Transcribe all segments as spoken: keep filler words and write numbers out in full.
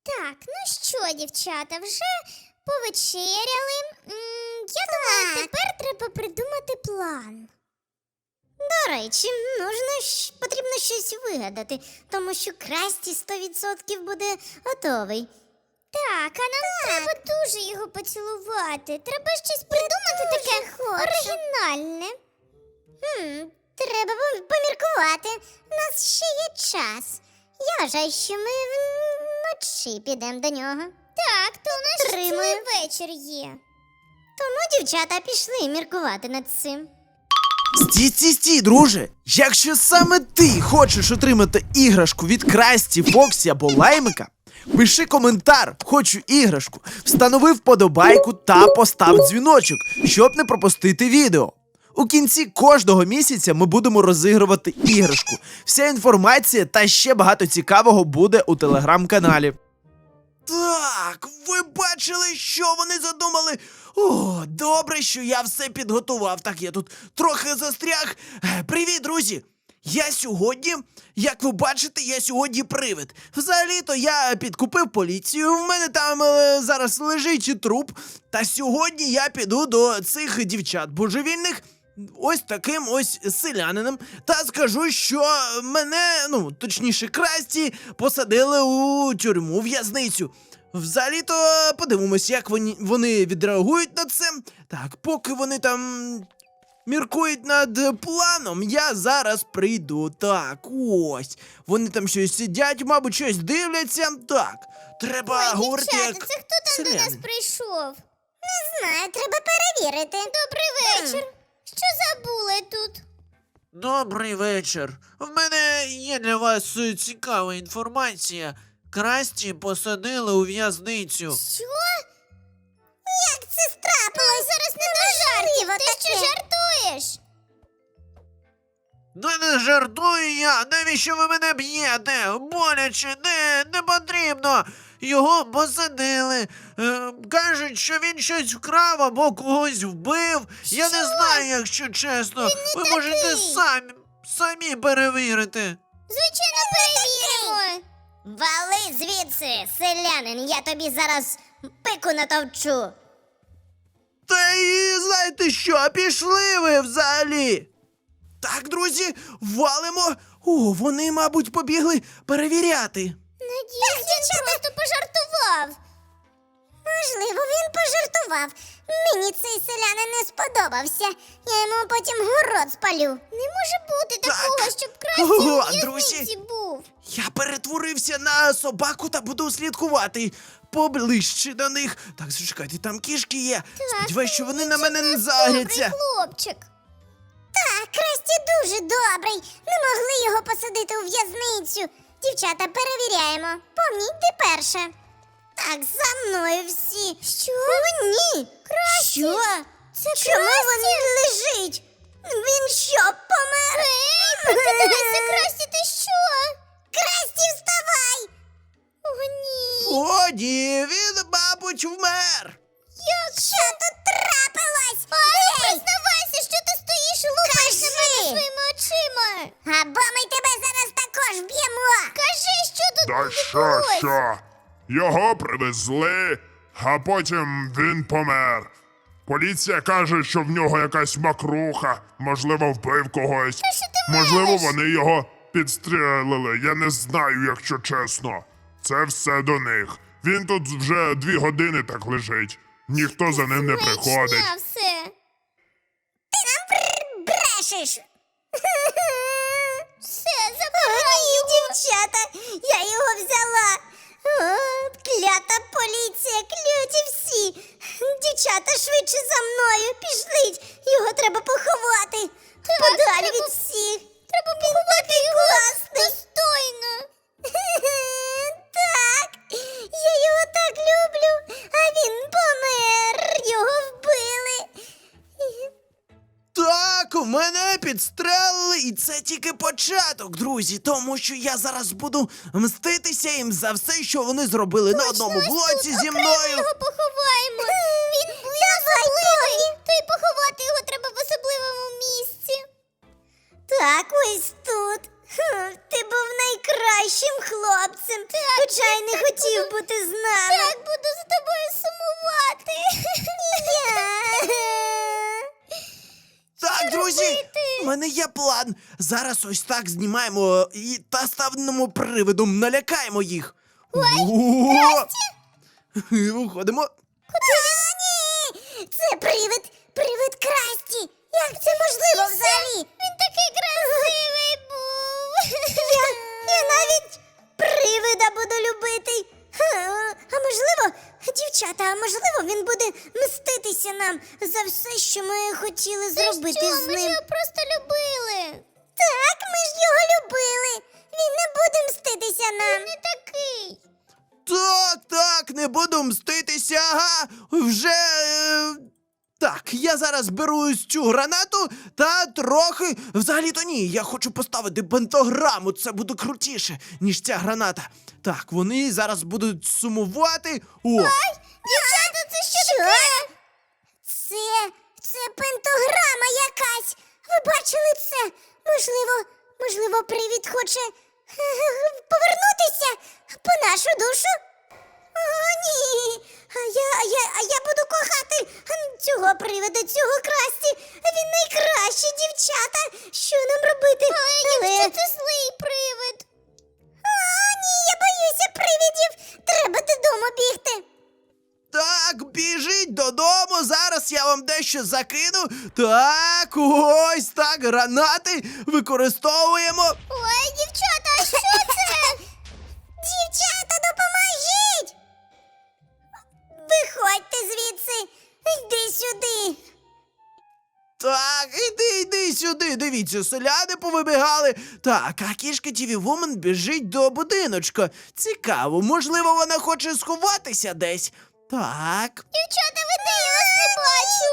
Так, ну що, дівчата, вже повечеряли. М, Я думаю, тепер треба придумати план. До речі, нужно ж, потрібно щось вигадати, тому що Красті сто відсотків буде готовий. Так, а нам треба дуже його поцілувати. Треба щось придумати таке оригінальне. Хм, треба пом- поміркувати. У нас ще є час. Я вважаю, що ми вночі підемо до нього. Так, то у нас ще Тримаю. цілий вечір є. Тому дівчата пішли міркувати над цим. Стій, стій, стій, друже! Якщо саме ти хочеш отримати іграшку від Красті, Фоксі або Лаймика, пиши коментар «Хочу іграшку», встанови вподобайку та постав дзвіночок, щоб не пропустити відео. У кінці кожного місяця ми будемо розігрувати іграшку. Вся інформація та ще багато цікавого буде у телеграм-каналі. Так, ви бачили, що вони задумали? О, добре, що я все підготував. Так, я тут трохи застряг. Е, Привіт, друзі! Я сьогодні, як ви бачите, я сьогодні привид. Взагалі-то я підкупив поліцію, в мене там е, зараз лежить труп. Та сьогодні я піду до цих дівчат божевільних, ось таким ось селянином, та скажу, що мене, ну, точніше, Красті, посадили у тюрму, в'язницю. Взагалі-то подивимось, як вони, вони відреагують на це. Так, поки вони там міркують над планом, я зараз прийду. Так, ось. Вони там щось сидять, мабуть, щось дивляться. Так, треба Ой, говорити дівчата, як це хто там до нас селянин. прийшов? Не знаю, треба перевірити. Добрий вечір. Що забули тут? Добрий вечір. В мене є для вас е, цікава інформація. Красті посадили у в'язницю. Що? Як це страпилось? Зараз не до жартів. Неможливо Ти що таке. жартуєш? Да не жартую я! Навіщо ви мене б'єте? Боляче, не, не потрібно! Його посадили. Е, кажуть, що він щось вкрав або когось вбив. Я не знаю, якщо чесно. Ви можете такий. самі, самі перевірити. Звичайно, перевіримо. Вали звідси, селянин, я тобі зараз пику натовчу. Та і знаєте що, пішли ви взагалі. Так, друзі, валимо. О, вони, мабуть, побігли перевіряти. Надіюсь, він просто пожартував. Можливо, він пожартував. Мені цей селянин не сподобався. Я йому потім город спалю. Не може бути Так. такого, щоб Красті Ого, у друзі. в'язниці був. Я перетворився на собаку та буду слідкувати поближче до них. Так, зачекайте, там кішки є. Сподіваюсь, що вони на мене не загряться. Добрий хлопчик. Так, Красті дуже добрий. Не могли його посадити у в'язницю. Дівчата, перевіряємо. Помніть, ти перша. Так, за мною всі. Що? О, ні. Красті? Що? Це Чому Красті? він лежить? Він що, помер? Ей, прокидайся, Красті, ти що? Красті, вставай! О, ні. О, ні, він, мабуть, вмер. Що тут трапилось? Ай, Ей, признавайся, що ти стоїш і лупаєш на мене Кажи. своїми очима. або ми тебе зараз також б'ємо. Кажи, що тут Да що, відбулось? що? Його привезли, а потім він помер. Поліція каже, що в нього якась макруха, можливо, вбив когось. що ти Можливо, мелеш? вони його підстрелили. Я не знаю, якщо чесно. Це все до них. Він тут вже дві години так лежить. Ніхто за ним не приходить. Маячня все. Брешеш. Все, забирай Ні, його. дівчата, я його взяла. О, клята поліція, кляті всі. Дівчата, швидше за мною, пішліть. Його треба поховати. Подалі треба- від всіх. Треба поховати його класний. достойно. Так, я його так люблю, а він помер. Його вбили. Так, мене підстрелили, і це тільки початок, друзі, тому що я зараз буду мститися їм за все, що вони зробили на одному Ось блоці тут зі окремо мною. його поховаємо. Він особливий. То й поховати його треба в особливому місці. Так, ось тут. Хм, Ти був найкращим хлопцем, хоча й не хотів бути з нами. Так, буду за тобою сумувати. Так, друзі, у мене є план. Зараз ось так знімаємо і та ставному привидом налякаємо їх. Ой, виходимо. Ні! Це привид, привид Красті. Як це можливо взагалі? Він такий красивий був. Я, я навіть привида буду любити. Ха, А можливо, дівчата, а можливо, він буде мститися нам за все, що ми хотіли зробити Що, з ми ж ним. його просто любили. Так, ми ж його любили. Він не буде мститися нам. Не такий. Так, так, не буду мститися, ага. Вже. Е... Так, я зараз беру ось цю гранату та трохи. Взагалі-то ні, я хочу поставити пентаграму, це буде крутіше, ніж ця граната. Так, вони зараз будуть сумувати. О! Дівчата, це що, таке? Це, це пентаграма якась. Ви бачили це? Можливо, можливо, привід хоче е, повернутися по нашу душу? О, ні. А я, а я, а я буду кохати цього привида, цього Красті. Він найкращий, дівчата. Що нам робити? Але... Що це злий привид? О, ні, я боюся привидів. Треба додому бігти. Так, біжіть додому, зараз я вам дещо закину. Так, ось так, гранати використовуємо. Ой, дівчата, а що це? Дівчата, допоможіть! Виходьте звідси, йди сюди. Так, іди, іди сюди. Дивіться, селяни повибігали. Так, а кішка Ті Ві Вумен біжить до будиночка. Цікаво, можливо, вона хоче сховатися десь. Так. Дівчата, ви де? Я вас не бачу.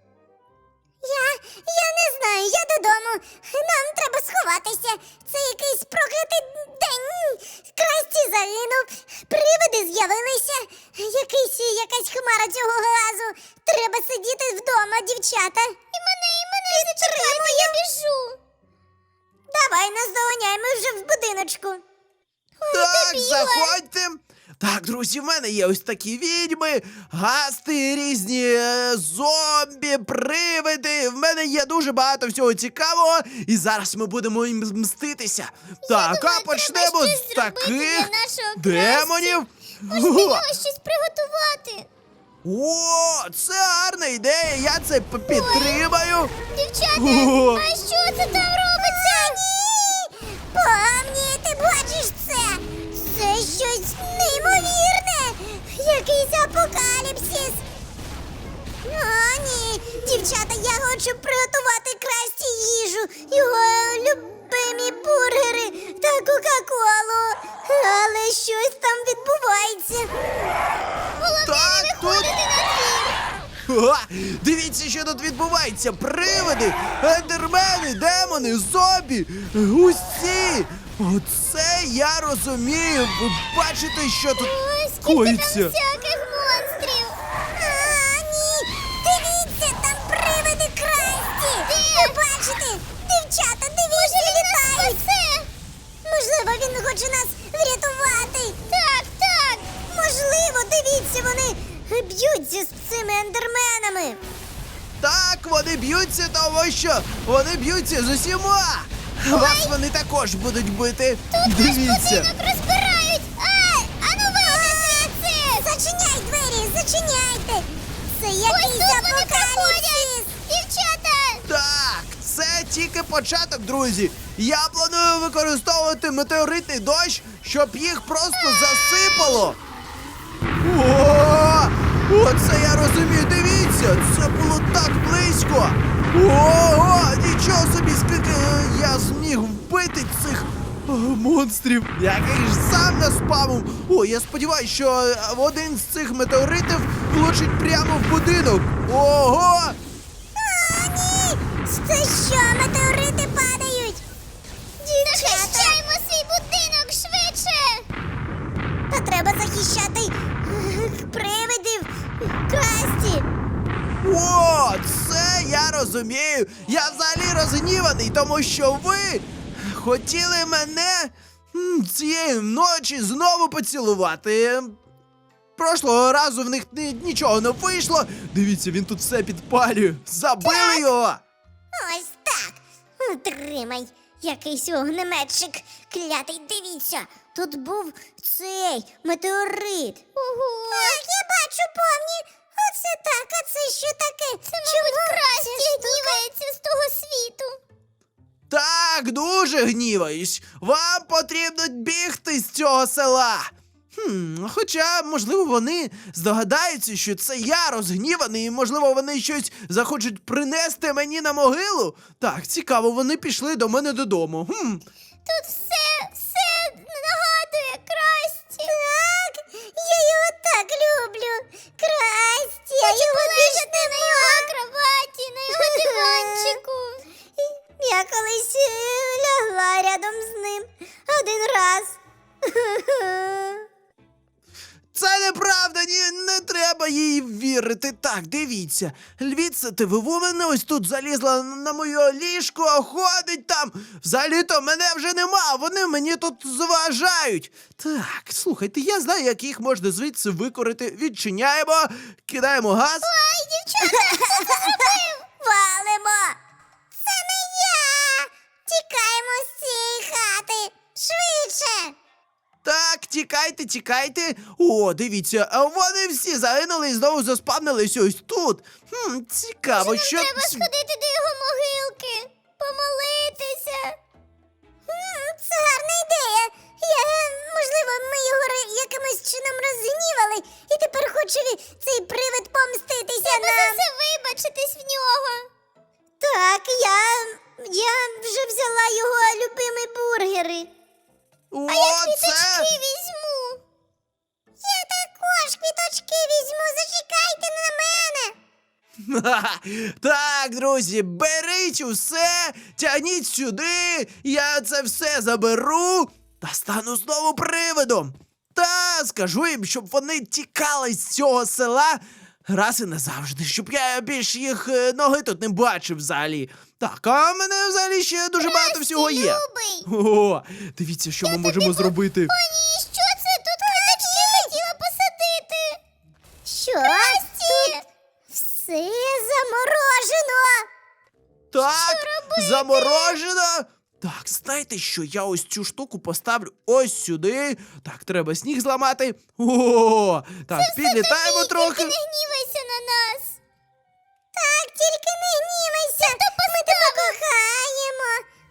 Я, я не знаю, я додому. Нам треба сховатися. Це якийсь проклятий день. Красті загинув, привиди з'явилися. Якийсь, якась хмара цього газу. Треба сидіти вдома, дівчата. І мене, і мене зачекайте, я біжу. Давай нас доганяй, ми вже в будиночку. Так, добігла. заходьте. Так, друзі, в мене є ось такі відьми, гасти, різні е, зомбі, привиди. В мене є дуже багато всього цікавого. І зараз ми будемо їм мститися. Так, думаю, а почнемо треба з щось зробити таких для нашого демонів. Може, для нього щось приготувати. О, це гарна ідея, я це п- підтримаю. Дівчата, О. а що це там робиться? Ні! Помні, ти бачиш це? Це щось неймовірне! Якийсь апокаліпсис! О, ні! Дівчата, я хочу приготувати Красті їжу, його любимі бургери та Кока-Колу. Але щось там відбувається. Так, тут. Ха, дивіться, що тут відбувається. Привиди, ендермени, демони, зомбі. Усі. Оце я розумію. Ви бачите, що тут Ой, скільки там коїться. всяких монстрів. А, ні! Дивіться, там привиди Красті! Ви бачите? Дівчата, дивіться, літають! Можливо, він хоче нас врятувати! Так, так. Можливо, дивіться, вони б'ються з цими ендерменами! Так, вони б'ються, тому що вони б'ються з усіма. Вас вони також будуть бити. Дивіться. Будинок розбирають. Ай, ану вийди звідси. Зачиняй двері, зачиняйте! Це Ось якийсь тут вони апокаліпсис! проходять. Дівчата. Так, це тільки початок, друзі. Я планую використовувати метеоритний дощ, щоб їх просто засипало. О, оце я розумію. Дивіться, це було так близько. Ого, нічого собі, скільки е, я зміг вбити цих е, монстрів, який ж сам наспамив. О, я сподіваюся, що е, один з цих метеоритів влучить прямо в будинок. Ого! О, ні! Це що, метеорити падають? Дівчата! Захищаємо свій будинок швидше. Та треба захищати е, привидів Красті! О, це я розумію. Я взагалі розгніваний, тому що ви хотіли мене м, цієї ночі знову поцілувати. Прошлого разу в них ні- нічого не вийшло. Дивіться, він тут все підпалює. Забили його! Ось так. Тримай. Якийсь огнеметчик. Клятий, дивіться. Тут був цей метеорит. Ого! Так, я бачу, повні. Оце так, а це що таке? Це, мабуть, Красті гнівається з того світу. Так, дуже гніваюсь. Вам потрібно бігти з цього села. Хм, хоча, можливо, вони здогадаються, що це я розгніваний, і, можливо, вони щось захочуть принести мені на могилу. Так, цікаво, вони пішли до мене додому. Хм. Тут все, все нагадує Красті. Так, я його так люблю. Красті, я Хочу його більше полежати на його кроваті, на його диванчику. Я колись е, лягла рядом з ним один раз. Це неправда, ні, не треба їй вірити. Так, дивіться. Львіця, ти вивумена ось тут залізла на моє ліжко, ходить там. Взагалі-то мене вже нема, вони мені тут заважають. Так, слухайте, я знаю, як їх можна звідси викорити. Відчиняємо, кидаємо газ. Валимо! Це не я! Тікаємо з цієї хати! Швидше! Так, тікайте, тікайте. О, дивіться, а вони всі загинули і знову заспавнились ось тут. Хм, цікаво, що... Треба сходити до його могилки, помолитися. М, Це гарна ідея! Я, можливо, ми його ри- якимось чином розгнівали, і тепер хоче ві- цей привид помститися Треба за нам. це вибачитись в нього. Так, я, я вже взяла його любимі бургери. О, А я це... квіточки візьму. Я також квіточки візьму, зачекайте на мене. Ха-ха. Так, друзі, беріть усе, тягніть сюди, я це все заберу та стану знову привидом. Та скажу їм, щоб вони тікали з цього села раз і назавжди, щоб я більш їх е, ноги тут не бачив взагалі. Так, а в мене взагалі ще дуже багато всього є. Любий. О, дивіться, що ми можемо зробити. О, ні, що це? Тут квіточки хотіла посадити. Що? Красті! Все заморожено. Так, заморожено. Так, знаєте що, я ось цю штуку поставлю ось сюди. Так, треба сніг зламати. О, так, підлітаємо Ні, трохи. тільки не гнівайся на нас. Так, тільки не гнівайся. Ми тебе кохаємо.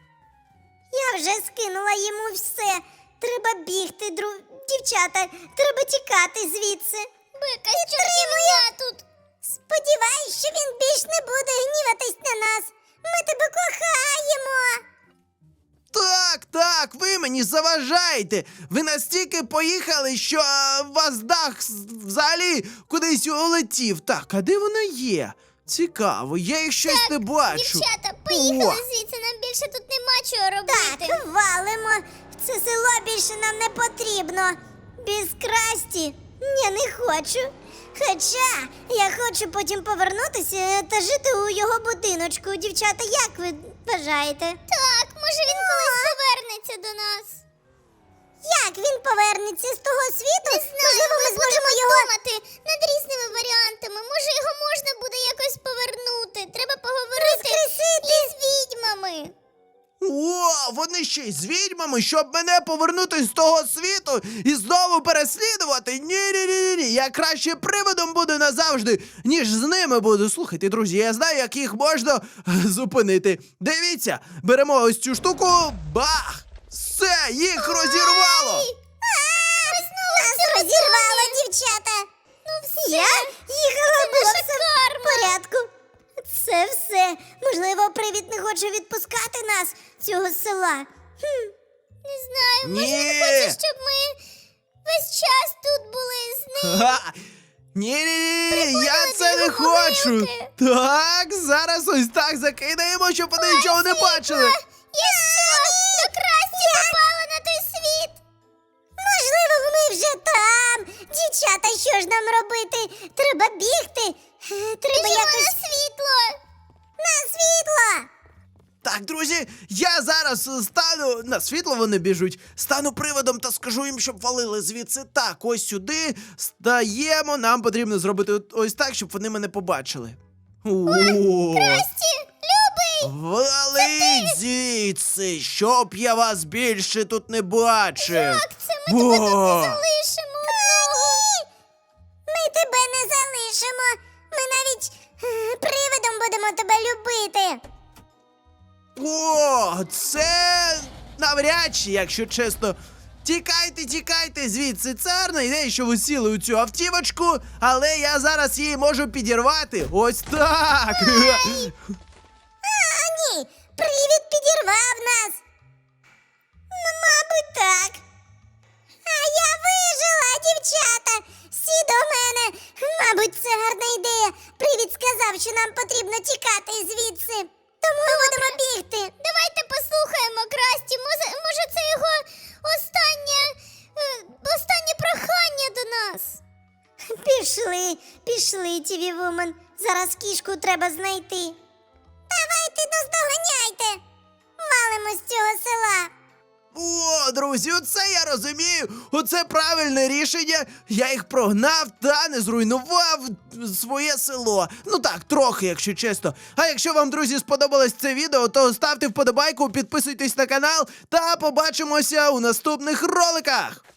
Я вже скинула йому все. Треба бігти, дру... дівчата. Треба тікати звідси. Бика, що я тут? Сподіваюсь, що він більш не буде гніватись на нас. Ми тебе кохаємо. Так, так, ви мені заважаєте. Ви настільки поїхали, що е, у вас дах з- взагалі кудись улетів. Так, а де вона є? Цікаво, я їх щось не бачу. Дівчата, поїхали О. звідси, нам більше тут нема чого робити. Так, валимо. Це село більше нам не потрібно. Без Красті я не хочу. Хоча я хочу потім повернутися та жити у його будиночку. Дівчата, як ви вважаєте? Так, може він колись повернеться до нас. Як він повернеться з того світу? Не знаю, Можливо, ми ми зможемо будемо його. думати над різними варіантами. Може його можна буде якось повернути. Треба поговорити Воскресити. із відьмами. О, вони ще й з відьмами, щоб мене повернути з того світу і знову переслідувати. Ні-ні-ні-ні, я краще привидом буду назавжди, ніж з ними буду. Слухайте, друзі, я знаю, як їх можна е, зупинити. Дивіться, беремо ось цю штуку, бах! Все, їх розірвало! Нас розірвало, дівчата. Ну все, Я їхала, це було наша все в карма. порядку. Це все. Можливо, привід не хоче відпускати нас з цього села. Хм. Не знаю, може Ні. він хоче, щоб ми весь час тут були з ним. Ха! Ні-ні-ні, я Приходили це до не його хочу. могилки. Так, зараз ось так закидаємо, щоб вони нічого не бачили. Я що? До Красті попала на той світ. Можливо, ми вже там. Дівчата, що ж нам робити? Треба бігти. Е, Треба Біжимо якось на світло. на світло. Так, друзі, я зараз е, стану на світло вони біжуть, стану приводом та скажу їм, щоб валили звідси. Так, ось сюди стаємо. Нам потрібно зробити от- ось так, щоб вони мене побачили. О, Красті, любий! валить звідси, щоб я вас більше тут не бачив. Так, це ми тебе тут не О, залишимо одного. Ми тебе не залишимо. Ми навіть е, привидом будемо тебе любити. О, це навряд чи, якщо чесно. Тікайте, тікайте звідси. Це гарна ідея, що ви сіли у цю автівочку, але я зараз її можу підірвати. Ось так. А ні, привид підірвав нас. Ну, мабуть, так. А я вижила, дівчата. Всі до мене. Мабуть, це гарна ідея. Привид сказав, що нам потрібно тікати звідси. Тому ми будемо бігти. Давайте послухаємо Красті. Може, може це його останнє, е, останнє прохання до нас. Пішли, пішли, Тіві Вумен. Зараз кішку треба знайти. Давайте наздоганяйте. Валимо з цього села. О, друзі, оце я розумію. Оце правильне рішення. Я їх прогнав та не зруйнував своє село. Ну так, трохи, якщо чесно. А якщо вам, друзі, сподобалось це відео, то ставте вподобайку, підписуйтесь на канал та побачимося у наступних роликах.